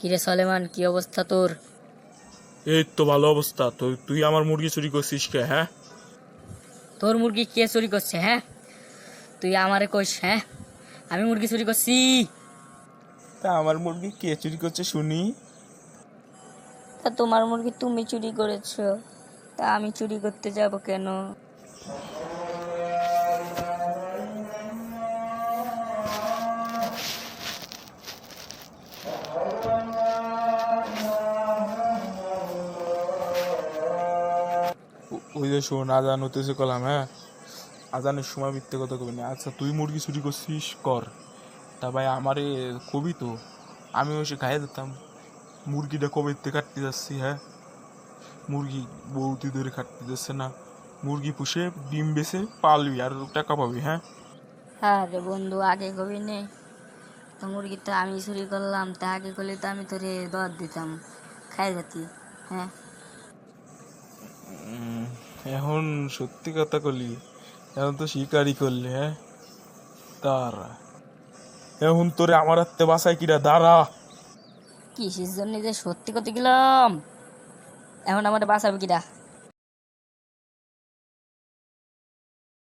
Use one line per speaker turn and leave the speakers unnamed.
কিরে সলেমান, কি অবস্থা তোর?
এই তো ভালো অবস্থা। তো তুই আমার মুরগি চুরি করছিস কে? হ্যাঁ,
তোর মুরগি কে চুরি করছে? হ্যাঁ, তুই আমারে কইস? হ্যাঁ, আমি মুরগি চুরি করছি?
তা আমার মুরগি কে চুরি করছে শুনি।
তা তোমার মুরগি তুমি চুরি করেছো, তা আমি চুরি করতে যাব কেন?
ওই যে শোন, আজান হতেছে কলাম। হ্যাঁ, আজানের সময় মিথ্যে কথা কবি না। আচ্ছা, তুই মুরগি চুরি করছিস কর, তা ভাই আমারে কবি তো আমি ওসে খাইয়ে দিতাম। মুরগিটা কবে থেকে কাটতে যাচ্ছি। হ্যাঁ, মুরগি বৌদি ধরে কাটতে যাচ্ছে না। মুরগি পুষে ডিম বেচে পালবি আর টাকা পাবি। হ্যাঁ,
হ্যাঁ রে বন্ধু, আগে কবি নে। তো মুরগি তো আমি চুরি করলাম, তা আগে করলে তো আমি তোরে দর দিতাম, খাই যেতি। হ্যাঁ,
এখন সত্যি কথা কলি, এখন তো শিকারই করলি। হ্যাঁ, তারা এখন তোরে আমার হাতে বাসায় কিরা দাঁড়া।
কিসের জন্য যে সত্যি করতে গেলাম, এখন আমার বাঁচাবে কিরা?